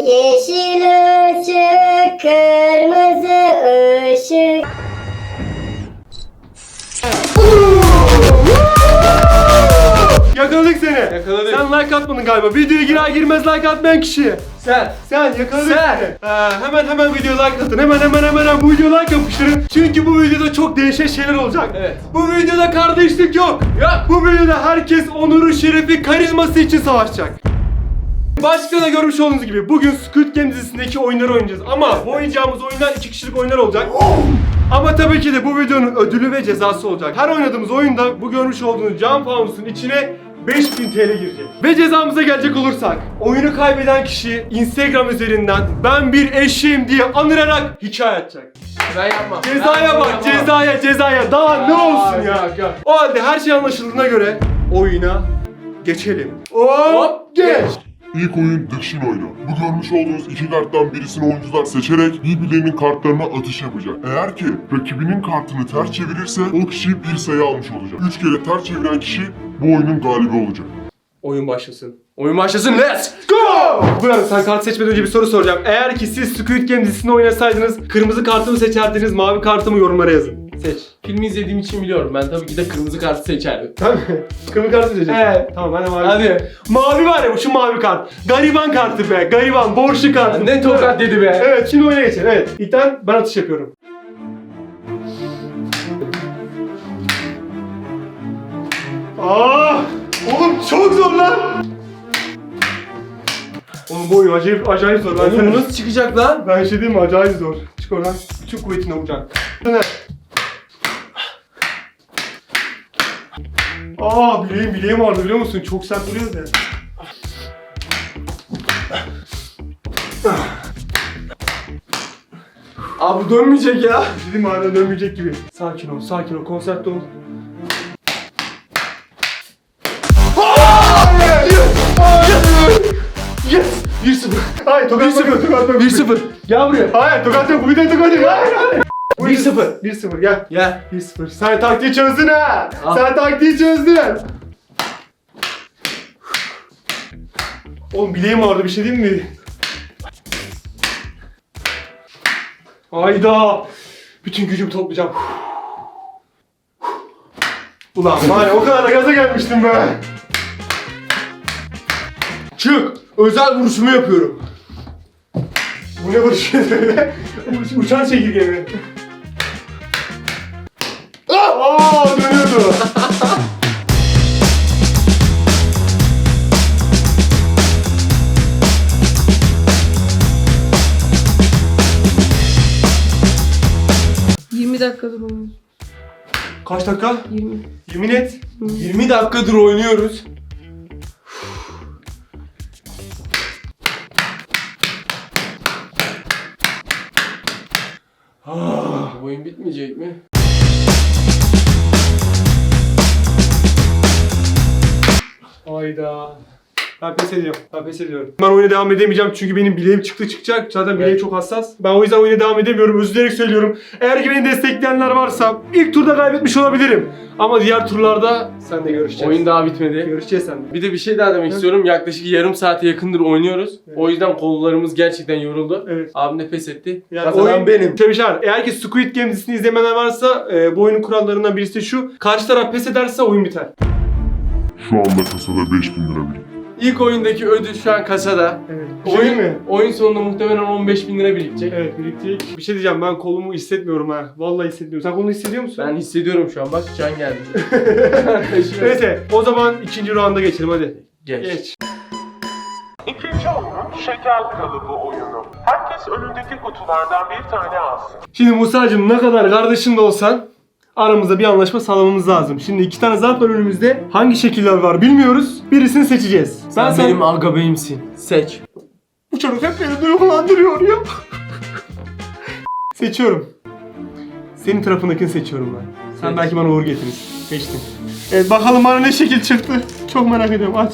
Yeşil ışık, kırmızı ışık. Yakaladık seni. Yakaladık. Sen like atmadın galiba. Videoya girer girmez like atmayan kişi. Sen yakaladık Sen. seni. Hemen videoya like atın. Hemen bu videoya like yapıştırın. Çünkü bu videoda çok değişik şeyler olacak. Evet. Bu videoda kardeşlik yok. Yok. Bu videoda herkes onuru, şerefi, karizması için savaşacak. Başka da görmüş olduğunuz gibi bugün Squid Game dizisindeki oyunları oynayacağız. Ama bu oynayacağımız oyunlar 2 kişilik oyunlar olacak. Ama tabii ki de bu videonun ödülü ve cezası olacak. Her oynadığımız oyunda bu görmüş olduğunuz cam fanusun içine 5000 TL girecek. Ve cezamıza gelecek olursak, oyunu kaybeden kişi Instagram üzerinden ben bir eşeğim diye anırarak hikaye atacak. Ben yapmam. Cezaya bak, cezaya. Daha ne olsun ya? Yok. O halde her şey anlaşıldığına göre oyuna geçelim. Hop geç. İlk oyun Dışın oyunu. Bu görmüş olduğunuz iki karttan birisini oyuncular seçerek birbirlerinin kartlarına atış yapacak. Eğer ki rakibinin kartını ters çevirirse o kişi bir sayı almış olacak. 3 kere ters çeviren kişi bu oyunun galibi olacak. Oyun başlasın. Oyun başlasın. Let's Go! Bu arada sen kart seçmeden önce bir soru soracağım. Eğer ki siz Squid Game dizisini oynasaydınız kırmızı kartı mı seçerdiniz, mavi kartı mı yorumlara yazın. Seç. Filmi izlediğim için biliyorum. Ben tabii ki de kırmızı kartı seçerdim. Tamam mı? Kırmızı kartı seçeceksin. Evet. Tamam ben de mavi. Hadi. Mavi var ya, şu mavi kart. Gariban kartı be. Gariban, borçlu kartı. Ne tokat dedi be. Evet, şimdi oyuna geçelim. Evet. İlkten ben atış yapıyorum. Oğlum çok zor lan. Oğlum bu oyun acayip zor. Oğlum bu nasıl çıkacak lan? Ben şey diyeyim mi? Acayip zor. Çık oradan. Bütün kuvvetine vuracaksın. Bileğim ağrıdı biliyor musun? Çok sert vuruyoruz ya. Abi dönmeyecek ya. Dedim hala dönmeyecek gibi. Sakin ol, konsantre ol. Yes! 1-0. Hayır, tokat yok. 1-0. Gel buraya. Hayır, tokat yok. Bu bir de tokat yok. Hayır. 1-0. 1-0 gel. Gel. 1-0. Sen taktiği çözdün ha. Al. Sen taktiği çözdün. Oğlum bileğim ağrıdı, bir şey diyeyim mi? Hayda. Bütün gücümü toplayacağım. Ulan var ya, o kadar da gaza gelmiştim be. Çık. Özel vuruşumu yapıyorum. Bu ne vuruş öyle? Uçan çekirge mi? Dönüyordu. dakikadır oynuyoruz. Kaç dakika? 20. Yemin et. 20 dakikadır oynuyoruz. Bu oyun bitmeyecek mi? Hayda. Ben pes ediyorum. Ben oyuna devam edemeyeceğim çünkü benim bileğim çıkacak. Zaten bileğim çok hassas. Ben o yüzden oyuna devam edemiyorum. Üzülerek söylüyorum. Eğer ki beni destekleyenler varsa ilk turda kaybetmiş olabilirim. Ama diğer turlarda sen de görüşeceğiz. Oyun daha bitmedi. Görüşeceğiz sen de. Bir de bir şey daha demek istiyorum. Yaklaşık yarım saate yakındır oynuyoruz. Evet. O yüzden kollarımız gerçekten yoruldu. Evet. Abim de pes etti. Yani Kazanan benim. Tebrikler. Eğer ki Squid Game dizisini izlemeyenler varsa bu oyunun kurallarından birisi de şu. Karşı taraf pes ederse oyun biter. Şu anda kasada 5000 lira birikti. İlk oyundaki ödül şu an kasada. Evet. Oyun sonunda muhtemelen 15.000 lira birikecek. Evet, birikecek. Bir şey diyeceğim, ben kolumu hissetmiyorum ha. Vallahi hissetmiyorum. Sen kolunu hissediyor musun? Ben hissediyorum şu an. Bak can geldi. Neyse, o zaman ikinci rounda geçelim hadi. Geç. İkinci oyun şeker kalıbı oyunu. Herkes önündeki kutulardan bir tane alsın. Şimdi Musa'cığım, ne kadar kardeşin de olsan aramızda bir anlaşma sağlamamız lazım. Şimdi iki tane zarf var önümüzde. Hangi şekiller var bilmiyoruz. Birisini seçeceğiz. Sen benim agabeyimsin. Seç. Bu çocuk hep beni duygulandırıyor ya. Seçiyorum. Senin tarafındakini seçiyorum ben. Sen Seç. belki bana uğur getirirsin. Seçtim. Evet, bakalım bana ne şekil çıktı. Çok merak ediyorum. Aç.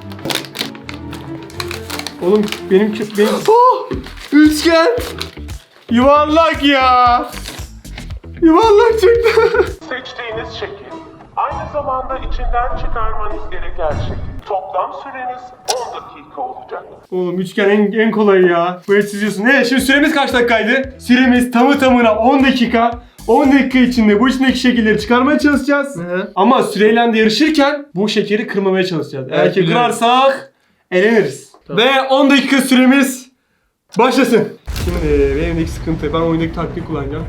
Oğlum benim... Oh! Üçgen. Yuvarlak ya. Yuvarlak çıktı. Seçtiğiniz şekil aynı zamanda içinden çıkarmanız gereken şekil. Toplam süreniz 10 dakika olacak. Oğlum üçgen en kolayı ya. Bu çiziyorsun. Evet şimdi süremiz kaç dakikaydı? Süremiz tamı tamına 10 dakika. 10 dakika içinde bu içindeki şekilleri çıkarmaya çalışacağız. Hı. Ama süreyle de yarışırken bu şekeri kırmamaya çalışacağız. Eğer Evet, ki biliyorum. kırarsak eleniriz. Tamam. Ve 10 dakika süremiz başlasın. Şimdi benimdeki sıkıntı, ben oyundaki taktiği kullanacağım.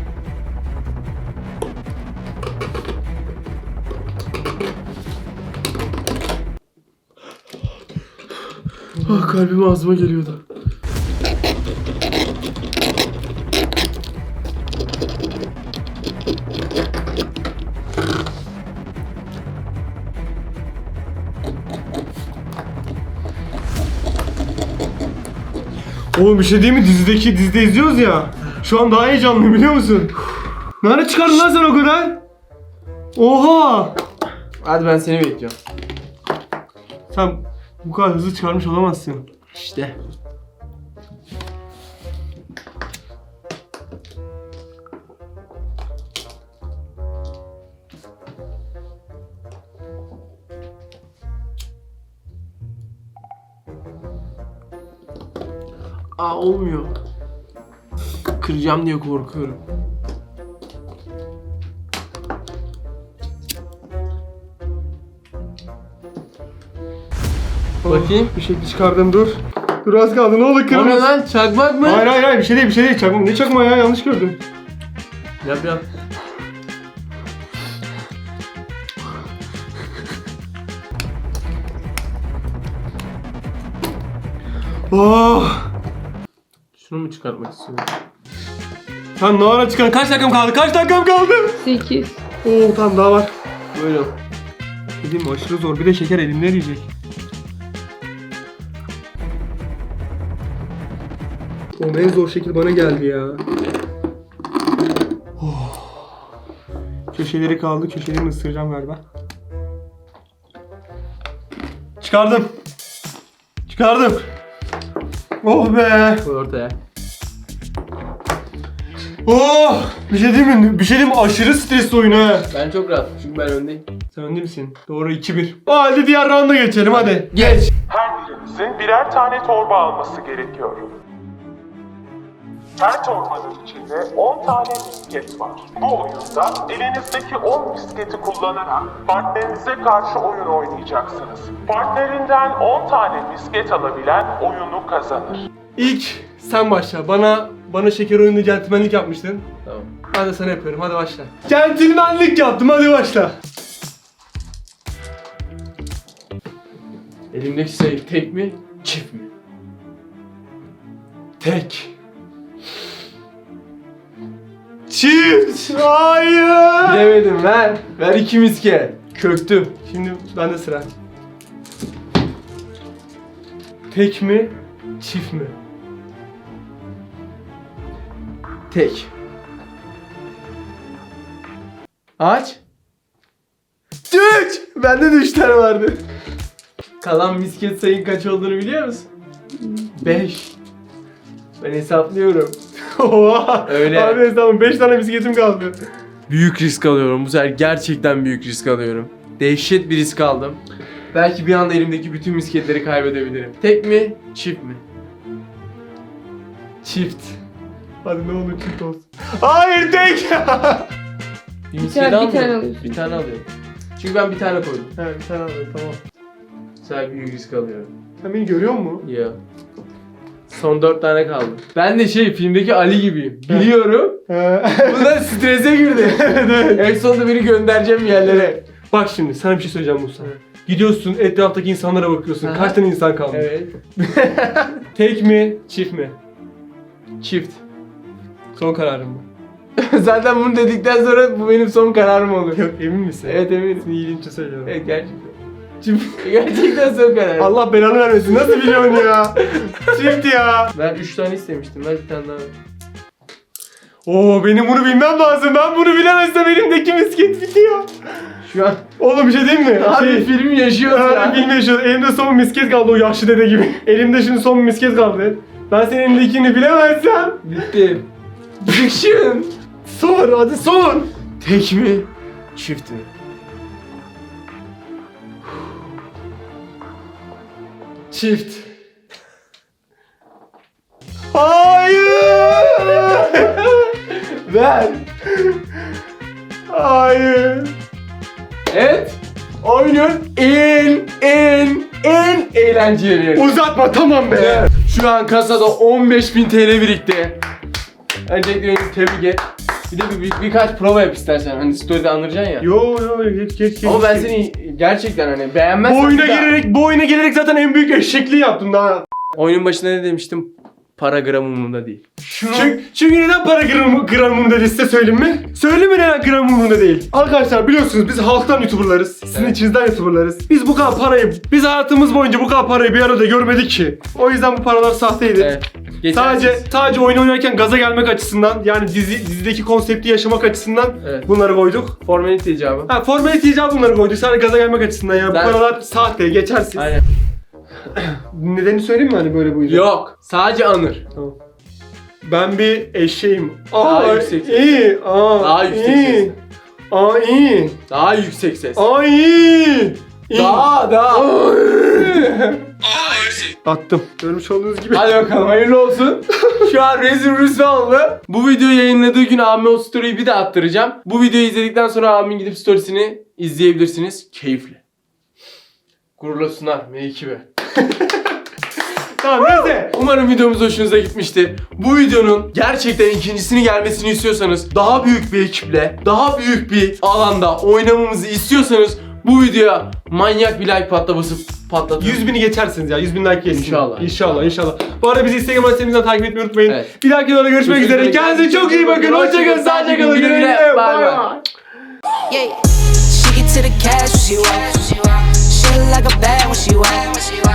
Ah, kalbim ağzıma geliyordu. Oğlum bir şey değil mi? Dizide izliyoruz ya. Şu an daha heyecanlıyım biliyor musun? Nerede çıkardın lan sen o kadar? Oha! Hadi ben seni bekliyorum. Sen bu kadar hızlı çıkarmış olamazsın. İşte. Olmuyor. Kıracağım diye korkuyorum. Bakayım. Bir şekilde çıkardım, dur. Dur az kaldı, ne olur O ne kırmızı. lan? Çakmak mı? Hayır bir şey değil çakma. Ne çakma ya, yanlış gördüm. Yap yap. Oh! Şunu mu çıkartmak istiyorum? Sen ne ara çıkar? Kaç dakikam kaldı? 8. Oo tamam daha var. Böyle. Dedim mi aşırı zor, bir de şeker elimde eriyecek. Oğlum en zor şekil bana geldi ya. Oh. Köşeleri kaldı, köşelerini ısıracağım galiba. Çıkardım. Oh be. Koy ortaya. Oh! Bir şey diyeyim mi? Aşırı stresli oyun ha. Ben çok rahat çünkü ben öndeyim. Sen önde misin? Doğru 2-1. Hadi diğer rounda geçelim hadi. Geç. Her birinizin birer tane torba alması gerekiyor. Her torbanın içinde 10 tane misket var. Bu oyunda elinizdeki 10 misketi kullanarak partnerinize karşı oyun oynayacaksınız. Partnerinden 10 tane misket alabilen oyunu kazanır. İlk sen başla. Bana şeker oyununda centilmenlik yapmıştın. Tamam. Ben de sana yapıyorum. Hadi başla. Centilmenlik yaptım. Hadi başla. Elimdeki şey tek mi? Çift mi? Tek. Çift. Hayır. Bilemedim ver. Ver 2 misket. Köktüm. Şimdi bende sıra. Tek mi? Çift mi? Tek. Aç. 3. Bende de 3 tane vardı. Kalan misket sayın kaç olduğunu biliyor musun? 5. Ben hesaplıyorum. Oha. Öyle. Abi tamam 5 tane bisikletim kaldı. Büyük risk alıyorum. Bu sefer gerçekten büyük risk alıyorum. Dehşet bir risk aldım. Belki bir anda elimdeki bütün misketleri kaybedebilirim. Tek mi? Çift mi? Çift. Hadi ne olur çift olsun. Hayır tek. Bir Bir misket tane almıyorum. alıyorsun. Bir tane alıyorum. Çünkü ben bir tane koydum. Evet bir tane alayım tamam. Bu sefer büyük risk alıyorum. Sen beni görüyor musun? Ya. Son 4 tane kaldı. Ben de filmdeki Ali gibiyim. Biliyorum. Bu da strese girdi. En sonunda beni göndereceğim bir yerlere. Bak şimdi sana bir şey söyleyeceğim Musa. Gidiyorsun etraftaki insanlara bakıyorsun. Aha. Kaç tane insan kalmış? Evet. Tek mi? Çift mi? Çift. Son kararım mı? Zaten bunu dedikten sonra bu benim son kararım olur. Yok emin misin? Evet eminim. Senin iyiliğin için söylüyorum. Evet gerçekten. Gerçekten son kararım. Allah belanı vermesin. Nasıl biliyorsun ya? Çift ya. Ben 3 tane istemiştim. Ver bir tane daha. Oo benim bunu bilmem lazım. Ben bunu bilemezsem elimdeki misket bitiyor. Şu an Oğlum bir şey diyeyim mi? abi film yaşıyoruz ya. Bilmiyorum. Elimde son misket kaldı o yaşlı dede gibi. Elimde şimdi son misket kaldı. Ben senin elindekini bilemezsem. Bitti. Diction. Sor hadi sor. Tek mi? Çift mi? Çift. Hayır. Ver. Hayır. Evet. Oyunun en eğlenceli yeri. Uzatma tamam be. Şu an kasada 15.000 TL birikti. Öncelikle beni tebrik et. Bir de birkaç prova yap istersen. Hani story'de anlayacaksın ya. Yo geç. Ama ben seni gerçekten hani beğenmezsen... Bu oyuna gelerek zaten en büyük eşekliği yaptım daha. Oyunun başında ne demiştim? Para gram umurumda değil. Çünkü neden para gram umurunda değil size söyleyeyim mi? Söyleyeyim mi neden gram umurunda değil? Arkadaşlar biliyorsunuz biz halktan YouTuber'larız. Sizin Evet. içinizden YouTuber'larız. Biz bu kadar parayı, biz hayatımız boyunca bu kadar parayı bir arada görmedik ki. O yüzden bu paralar sahteydi. Evet. Geçersiz. Sadece oyun oynarken gaza gelmek açısından yani dizideki konsepti yaşamak açısından Evet. bunları koyduk. Formalite icabı. Ha formalite icabı bunları koyduk. Sadece gaza gelmek açısından yani Ben- bu paralar sahte, geçersiz. Aynen. Nedenini söyleyeyim mi hani böyle bu yüzden? Yok. Sadece anır. Tamam. Ben bir eşeğim. Daha yüksek ses. İyi. Daha yüksek iyi. ses. İyi. Daha yüksek ses. İyi. İyi. Daha. Attım. Görmüş olduğunuz gibi. Hadi bakalım hayırlı olsun. Şu an rezil rüsva oldu. Bu videoyu yayınladığı gün Amin o story'yi bir de attıracağım. Bu videoyu izledikten sonra Amin gidip storiesini izleyebilirsiniz. Keyifli. Gururla sunar M2B. Tamam neyse. Umarım videomuz hoşunuza gitmiştir. Bu videonun gerçekten ikincisini gelmesini istiyorsanız, daha büyük bir ekiple, daha büyük bir alanda oynamamızı istiyorsanız bu videoya manyak bir like patlatın. 100.000'i geçersiniz ya. 100.000 like gelsin. İnşallah. İnşallah. Bu arada bizi Instagram adresimizden takip etmeyi unutmayın. Evet. Bir dahaki videoda görüşmek üzere. Kendinize çok iyi bakın. Hoşçakalın. Sağlıcakla kalın. Güle güle. Bye Bye bye. bye. Yeah, she get to the cash when she walk. She look like a bad when she walk.